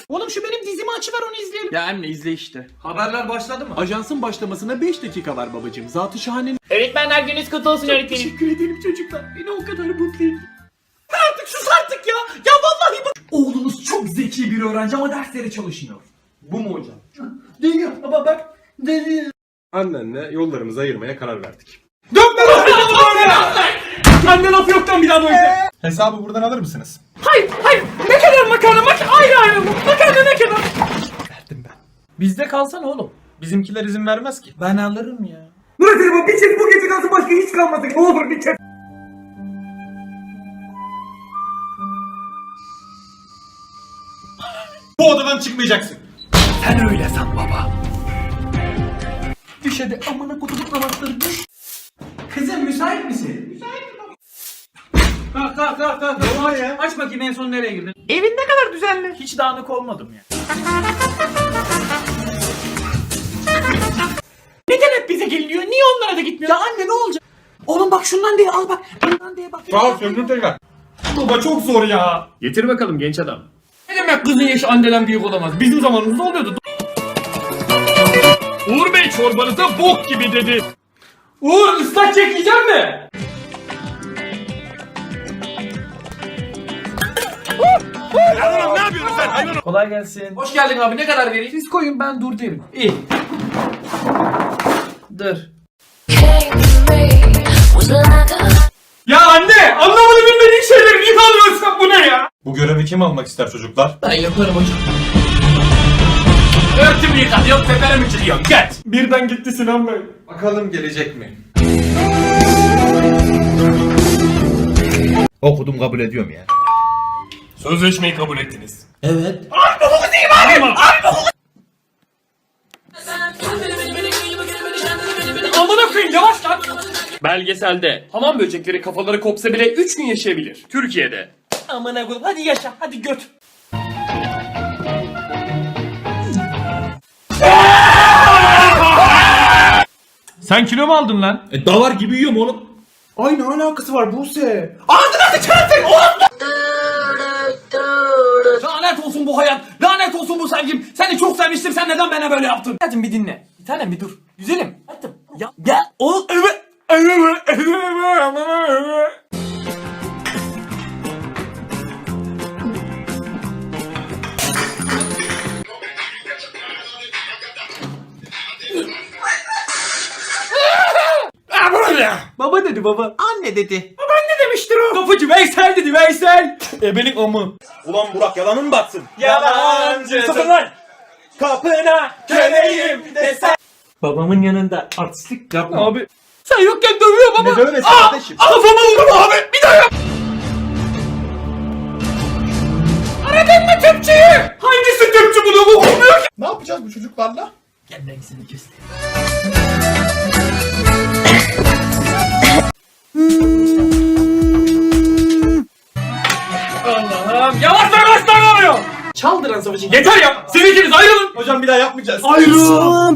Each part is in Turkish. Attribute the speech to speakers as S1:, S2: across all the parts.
S1: Oğlum şu benim dizimi açıver onu izleyelim.
S2: Ya anne izle işte.
S1: Haberler başladı mı?
S3: Ajansın başlamasına 5 dakika var babacığım. Zat-ı şahanenin...
S1: Öğretmenler gününüz kutlu olsun öğretmenim.
S3: Teşekkür ederim çocuklar. Beni o kadar mutlu ettin.
S1: Artık sus artık ya. Ya vallahi bak. Oğlunuz çok zeki bir öğrenci ama derslere çalışmıyor. Bu mu hocam? Değil baba bak. Değil.
S4: Annenle yollarımızı ayırmaya karar verdik.
S1: Dönme lan böyle. Anne laf yoktan bir daha böyle.
S4: Hesabı buradan alır mısınız?
S1: Hayır. Ne kadar makarna ayrı mı? Makarna ne kadar?
S4: Verdim ben.
S1: Bizde kalsana oğlum.
S4: Bizimkiler izin vermez ki.
S1: Ben alırım ya.
S5: Bu bir çek bu gece kalsın başka hiç kalmasın. Ne olur bir çek.
S4: Bu odadan çıkmayacaksın.
S1: Düş hadi amına kutup namazları düş. Kızım müsait misin? Müsaitim baba. Kalk. Aç bakayım en son nereye girdin? Evin ne kadar düzenli. Hiç dağınık olmadım ya. Neden hep bize geliniyor? Niye onlara da gitmiyor? Ya anne ne olacak? Oğlum bak şundan diye al bak. Bundan diye bak.
S4: Tamam söndür tekrar. Baba çok zor ya.
S2: Getir bakalım genç adam.
S1: Ne demek kızın yaşı anneden büyük olamaz? Bizim zamanımızda oluyordu.
S2: Uğur Bey çorbanıza bok gibi dedi.
S1: Uğur ıslak çekeceğim mi?
S4: Ne yapıyorsun sen hayvan?
S1: Kolay gelsin. Hoş geldin abi. Ne kadar vereyim? Siz koyun ben dur derim. İyi. Dur.
S2: Ya anne anlamadı bilmediğin şeyleri niye alıyorsun bu ne ya?
S4: Bu görevi kim almak ister çocuklar?
S1: Ben yaparım hocam.
S2: Örtümü yıkatıyor teperimi çiziyor geç.
S4: Birden gitti Sinan Bey. Bakalım gelecek mi?
S6: Okudum kabul ediyorum ya.
S2: Sözleşmeyi kabul ettiniz.
S1: Evet.
S2: Amına koyayım yavaş lan. Belgeselde hamam böcekleri kafaları kopsa bile 3 gün yaşayabilir. Türkiye'de.
S1: Amına koyayım. Hadi yaşa. Hadi göt.
S2: Sen kilo mu aldın lan?
S6: Davar gibi yiyorum oğlum.
S4: Ay ne alakası var Buse?
S1: Lanet olsun bu hayat. Lanet olsun bu sevgim. Seni çok sevmiştim. Sen neden bana böyle yaptın? Hadi bir dinle. Bir tanem bir dur. Güzelim. Hadi. Ya o Baba dedi baba. Anne dedi. Babaanne demiştir o. Kapıcı Veysel dedi Veysel. Ebelik amı.
S6: Ulan Burak yalanın mı batsın?
S1: Yalancı.
S6: Sakın lan! Kapına köleyim desen.
S1: Babamın yanında artistlik yapma.
S2: Abi.
S1: Sen yokken dövüyor baba.
S6: Ne dövmesi kardeşim?
S1: Kafama vurdum abi. Bir daha yap. Aradın mı tüpçüyü? Hangisi tüpçü bunu bu olmuyor ki?
S4: Ne yapacağız bu çocuklarla?
S1: Gel ben seni kestim. Allah'ım yavaş oluyor. Çaldıran savaşı yeter ya. Siz ikiniz ayrılın.
S4: Hocam bir daha yapmayacağız.
S1: Ayrılın.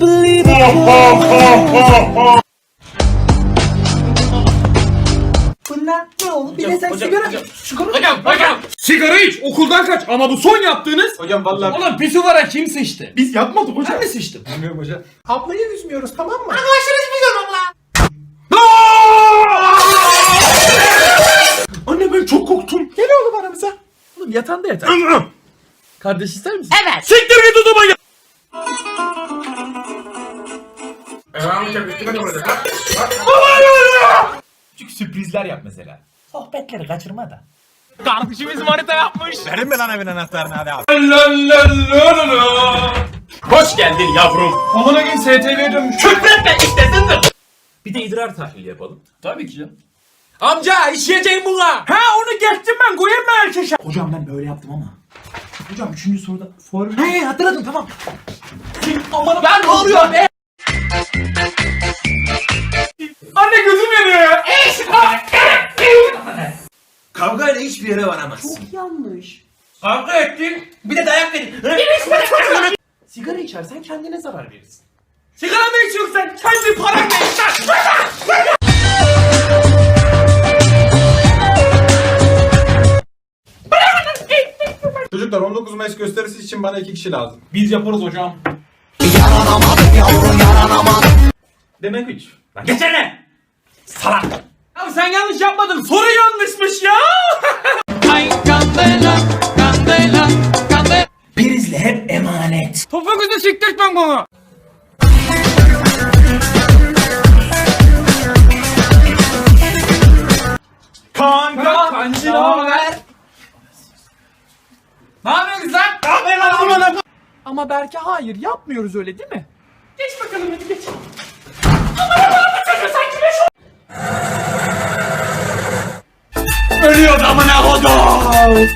S1: Bunlar ne oldu? Bir de sen sigara.
S2: Hocam. Sigara iç okuldan kaç ama bu son yaptığınız.
S4: Hocam vallahi
S1: Oğlum pisuvara kim sıçtı?
S4: biz yapmadık hocam.
S1: Ben mi sıçtım?
S4: Bilmiyorum hocam. Ablayı üzmüyoruz tamam mı?
S1: Anne ben çok korktum. Gel oğlum aramıza. Oğlum yatağında yatar. Kardeş ister misin? Evet.
S2: Siktir git o zaman ya.
S1: Küçük sürprizler yap mesela. Sohbetleri kaçırma da.
S2: Kardeşimiz manita yapmış.
S6: Verin mi lan evin anahtarını hadi abi.
S2: Hoş geldin yavrum.
S4: Aman gün STV'ye dönmüş.
S2: Küfretme iştesindir.
S1: Bir de idrar tahlili yapalım.
S2: Tabii ki canım.
S1: Amca işleyeceğim buna. Ha onu geçtim ben koyayım mı erkeşe? Hocam ben böyle yaptım ama. Hocam 3. soruda form... He hatırladım tamam. Aman ben ne oluyor be? Anne gözüm yanıyor ya.
S6: Kavgayla hiçbir yere varamazsın.
S1: Çok yanlış.
S2: Kavga ettin.
S1: Bir de dayak verin. Sigara içersen kendine zarar verirsin.
S2: Sigara mı içiyorsun sen? Kendi paranla iç lan.
S4: Çocuklar 19 Mayıs gösterisi için bana 2 kişi lazım.
S1: Biz yaparız hocam.
S6: Demek 3.
S1: Geçene! Salak! Abi sen yanlış yapmadın. Soru yanlışmış ya. Ay kandela, kandela, kandela. Prizle hep emanet. Topuğunuzu siktirtmem bana.
S6: Kanka.
S1: Kancı ne haber? Ne yapıyorsun lan?
S3: Ama belki hayır yapmıyoruz öyle değil mi?
S1: Geç bakalım hadi geç. Ölüyor amına kodum.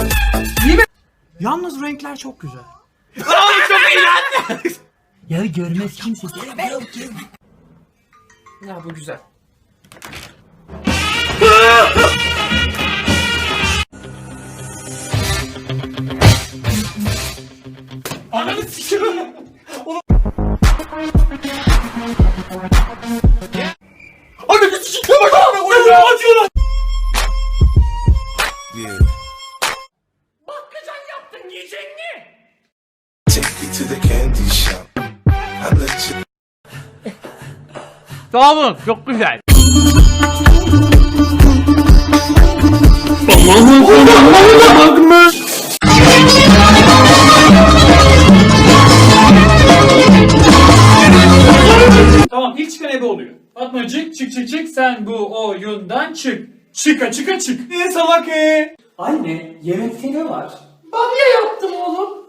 S3: Yalnız renkler çok güzel.
S1: Oğlum çok iyi lan.
S3: Ya görmez kimse.
S1: Ya bu güzel. Ananı sikiyorum. Ananı sikiyorum. Acıyor lan. Bakkacan yaptın yiyecek mi?
S7: Take you to the candy shop. I let you.
S1: Sağ olun çok güzel. Tamam ilk çıkan ebe oluyor. Fatmacık çık çık çık sen bu oyundan çık. Çıka çıka çık. Ne salak Anne yemekte ne var? Bamya yaptım oğlum.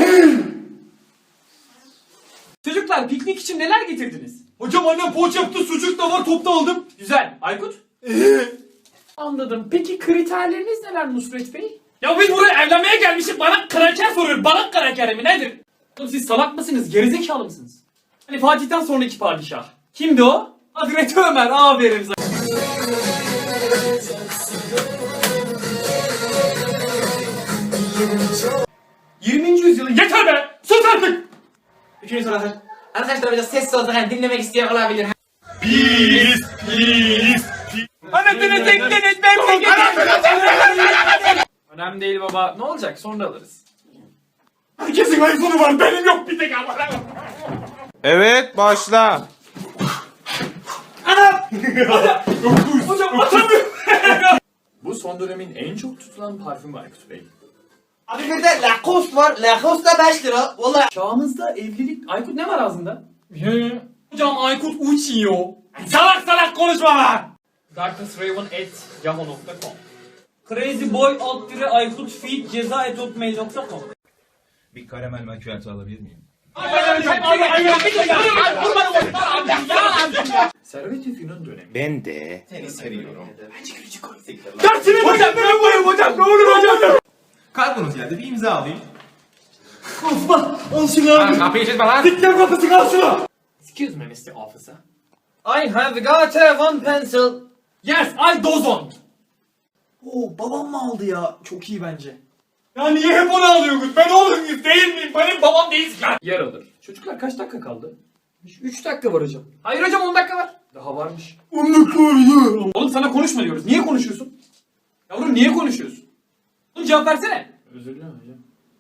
S1: Çocuklar piknik için neler getirdiniz? Hocam annem poğaça yaptı, sucuk da var, topta aldım. Güzel. Aykut? Anladım. Peki kriterleriniz neler Nusret Bey? Ya biz buraya evlenmeye gelmişiz. Bana kraker soruyor. Bana kraker mi nedir? Oğlum siz salak mısınız? Gerizekalı mısınız? Hani Fatih'ten sonraki padişah. Kimdi o? Hazreti Ömer. Aferin sana. ...20. yüzyılın... Yeter be! Sus artık!
S8: Üçüncü soru hazır. Arkadaşlar biraz sessiz olsak hani dinlemek isteyen olabilir.
S1: Anasını tektiniz ben önemli değil baba. Ne olacak? Sonra alırız. Herkesin iPhone'u var. Benim yok bir tek ama.
S6: Evet başla.
S1: Hocam atamıyorum.
S2: Bu son dönemin en çok tutulan parfümü Aykut Bey.
S8: Abi bir de Lacoste var. Lacoste da 5 lira. Valla.
S1: Çağımızda evlilik... Aykut ne var ağzında? Hocam Aykut uçuyor. Salak konuşma lan. darknessraven@yahoo.com Crazyboy Aykut feed ceza@hotmail.com
S7: Bir karamel macchiato alabilir miyim?
S2: Servet-i Fünun dönemi.
S6: Ben de.
S1: Dersini hocam ben yapayım hocam. Ne olur hocam.
S4: Kalkınız geldi bir imza alayım.
S1: Al şunu abi.
S4: Kapıyı çizme lan.
S1: Dikkat kapısı kal şunu.
S2: Excuse me Mr. Officer.
S8: I have got one pencil.
S1: Yes I dozon.
S3: Oo babam mı aldı ya? Çok iyi bence.
S1: Ya niye hep onu alıyorsunuz? Ben oğlum muyum değil miyim? Benim babam değilsin ya. Yer alır. Çocuklar kaç dakika kaldı? 3 dakika var hocam. Hayır hocam 10 dakika var. Daha varmış. 10 dakika var ya. Oğlum sana konuşma diyoruz. Niye konuşuyorsun? Yavrum niye konuşuyorsun? Oğlum cevap versene. Özür dilerim hocam.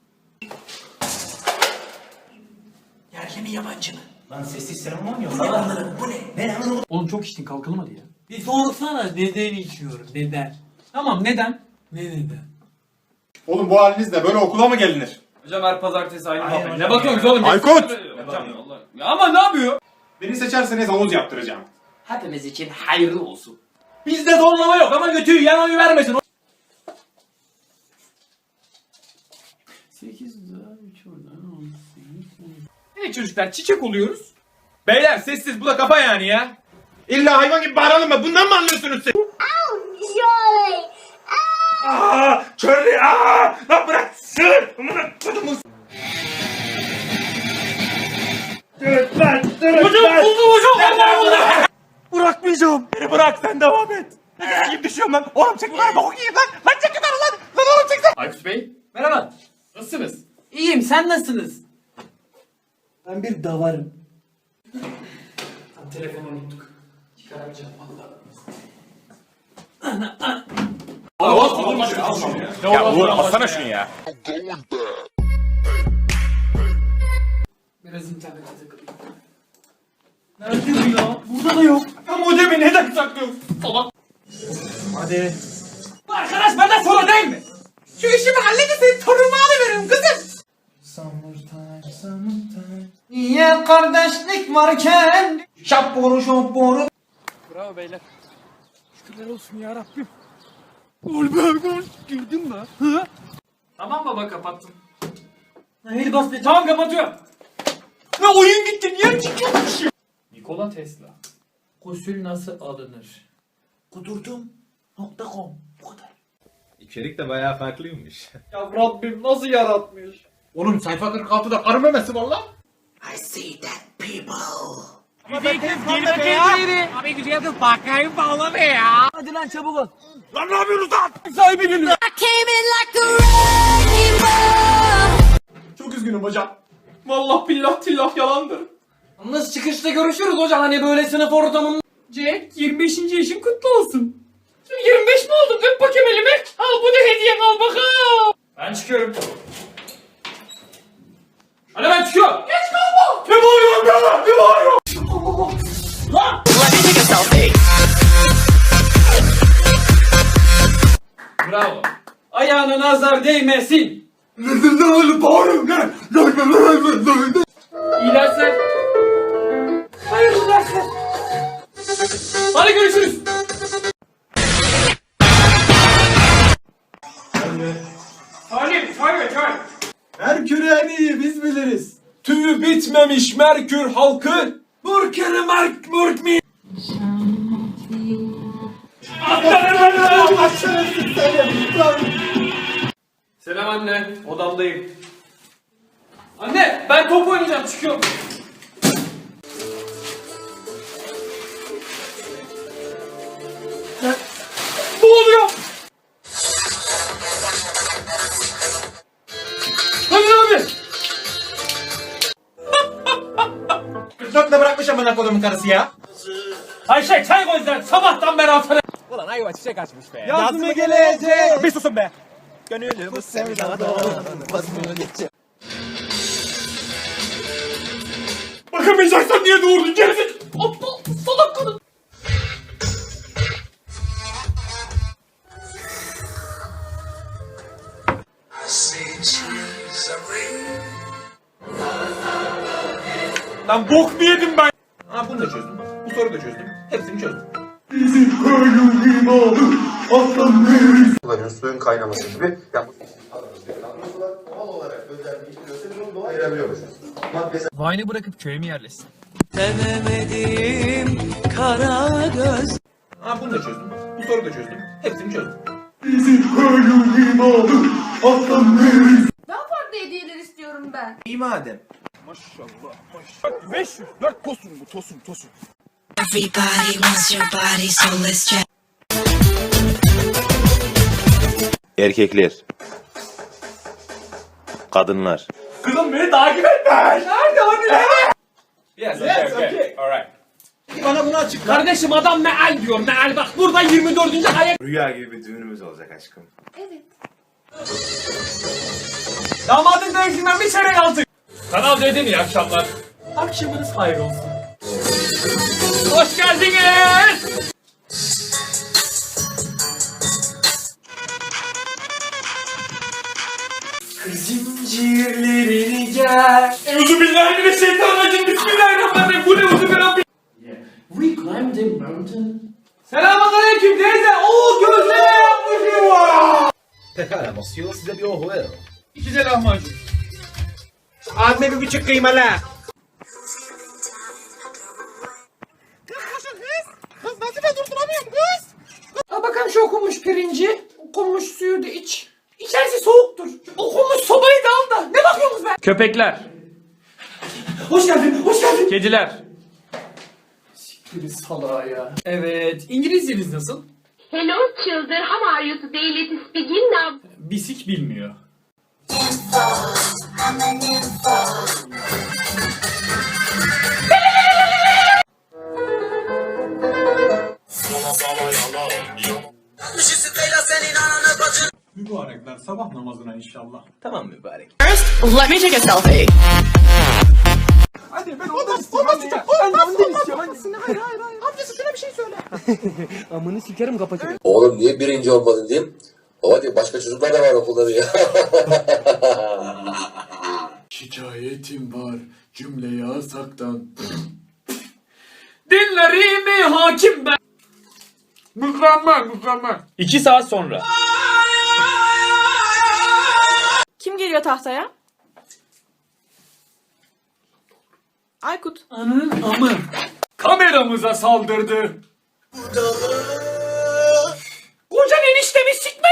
S3: Yerli mi yabancı mı?
S8: Lan sessiz sinema mı oynuyor?
S3: Bu ne? Ben anlamadım.
S1: Oğlum çok içtin kalkalım hadi ya.
S3: Bir sorsana neden içiyorum? Neden?
S1: Tamam neden?
S3: Ne neden?
S4: Oğlum bu halinizle böyle okula mı gelinir?
S1: Hocam her pazartesi aynı
S8: Aynen
S1: muhabbet.
S8: hocam
S1: Ne bakıyorsunuz
S8: ya.
S1: oğlum?
S4: Aykut!
S1: Hocam Allah. Ya ama ne yapıyor?
S4: Beni seçerseniz havuz yaptıracağım.
S8: Hepimiz için hayırlı olsun.
S1: Bizde zorlama yok ama götüyü yan oyu vermesin. 8 daha 3 oradan 18. Evet çocuklar çiçek oluyoruz.
S6: Beyler sessiz bu da kafa yani ya. İlla hayvan gibi bağıralım mı? Bundan mı anlıyorsunuz siz?
S9: Joy!
S6: Körlü lan bırak sığır. Amına kodumun.
S1: Hocam buldum hocam. Allah.
S6: Bırakmayacağım. Beni bırak sen devam et. Ne gibi düşüyorum lan. Oğlum çek lan boku yiyeyim lan. Lan çek lan lan. Lan oğlum çek lan.
S2: Aykut Bey
S1: Merhaba.
S2: nasılsınız?
S1: İyiyim sen nasılsınız?
S3: Ben bir davarım.
S1: Telefonu unuttuk. Çıkaramayacağım valla.
S6: Ya Uğur alsana şunu ya.
S1: Biraz internete takılayım. Nerede bu ya? Burada da yok.
S2: Ya modemi neden saklıyorsun? Salak.
S1: Hadi. Arkadaş benden sonra değil mi? Şu işimi halledin senin torunumu alıveririm kızım. Summertime. Niye kardeşlik varken? Şapboru şapboru.
S6: Bravo beyler. Şükürler olsun ya Rabbim. Girdin mi? Hı?
S2: Tamam baba kapattım.
S1: Hadi bas be.
S2: Tamam kapatıyorum.
S1: Ne oyun gitti niye çıkıyormuş?
S2: Nikola Tesla.
S1: Gusül nasıl alınır? Kudurdum.com bu kadar.
S4: İçerik de bayağı farklıymış.
S1: Ya Rabbim nasıl yaratmış?
S4: Oğlum sayfa 46'da karı memesi var lan.
S1: I see that people.
S9: I came in like a wrecking ball.
S2: Çok üzgünüm hocam. Vallahi billah tillah yalandır.
S1: Yalnız çıkışta görüşürüz hocam hani böyle sınıf ortamında.
S2: Jack 25. yaşın kutlu olsun. 25 mi oldun? Öp bakayım elimi. Al bu da hediyen al bakalım. Ben çıkıyorum. Hadi ben çıkıyorum. Geç kalma. Ne bağırıyorsun be? Ne bağırıyorsun? Lan! Bravo.
S1: Ayağına nazar değmesin.
S2: İyi dersler.
S1: Hayırlı dersler.
S2: Hadi görüşürüz. Salim.
S3: Merkür en iyi biz biliriz. Tüyü bitmemiş Merkür halkı. Murkeri Murk mi?
S2: Selam anne. Odamdayım. Anne ben top oynayacağım. Çıkıyorum. Ne oluyor? Hadi abi.
S4: 44'le bırakmış amına kodumun karısı ya.
S1: Ayşe çay koy sen sabahtan beri altına.
S6: Ulan ayva çiçek açmış be.
S3: Yaz mı gelecek?
S6: Bir susun be. Gönlümü sevdada basmıyor geçecek.
S2: Bakamayacaksan niye doğurdun gerizek? Aptal salak kadın.
S6: Lan bok mu yedim ben?
S4: Ha bunu da çözdüm. Bu soruyu da çözdüm. Hepsini çözdüm.
S10: Suların suyun kaynaması gibi doğal olarak özelliği işliyorsa biz onu doğal ayırabiliyoruz.
S6: Vine'ı bırakıp köye mi yerleşsin?
S4: Ha bunu da çözdüm. Bu soruyu da çözdüm. Hepsini çözdüm.
S9: Daha farklı hediyeler istiyorum ben.
S3: İyi madem.
S6: Maşallah. 504 tosun bu tosun.
S9: Everybody wants your body, so let's try.
S10: Erkekler. Kadınlar.
S2: Kızım beni takip etme. Nerede hani?
S4: Yes,
S2: okay. Alright.
S3: Bana bunu açıkla.
S2: Kardeşim adam meal diyor. Meal bak burada 24. ayet.
S10: Rüya gibi bir düğünümüz olacak aşkım.
S9: Evet.
S2: Damadın dövüşünden bir çeyrek aldık. Kanal D'de iyi akşamlar. Akşamınız hayır olsun. Hoş geldiniz.
S1: Zincirlerini gel.
S2: Euzubillahimineşşeytanirracim. Bismillahirrahmanirrahim. Bu ne uzun bir Rabbim.
S1: We climbed a mountain. Selamünaleyküm teyze. Oo gözleme yapmışım var.
S3: Pekala Mosyo size bir ohu ver.
S2: 2 de lahmacun.
S3: Abime bir buçuk kıymalı.
S6: Kız nasıl ben durduramıyorum kız?
S1: Al bakalım şu okunmuş pirinci. Okunmuş suyu da iç. İçerisi soğuktur. Okunmuş sobayı da al da. Ne bakıyorsunuz be?
S2: Köpekler.
S1: Hoş geldin, hoş geldin.
S2: Kediler.
S1: Siktir salağa ya. Evet, İngilizceniz nasıl?
S9: Hello children, how are you today? Let's begin now.
S2: Bisik bilmiyor.
S8: Senin Tamam mübarek.
S9: Let me take a selfie.
S3: Hadi ben ondan istiyorum. Hadi ya. Ben de ondan istiyorum. Hadi.
S10: Oğlum niye birinci olmadın diyeyim. Baba diyor başka çocuklar da var okulda diyor.
S3: Şikayetim var cümle yasaktan.
S2: Dinlerimi hakim ben. Mükemmel. 2 saat sonra.
S9: Kim geliyor tahtaya? Aykut.
S2: Kameramıza saldırdı. Kocan eniştemi sikme.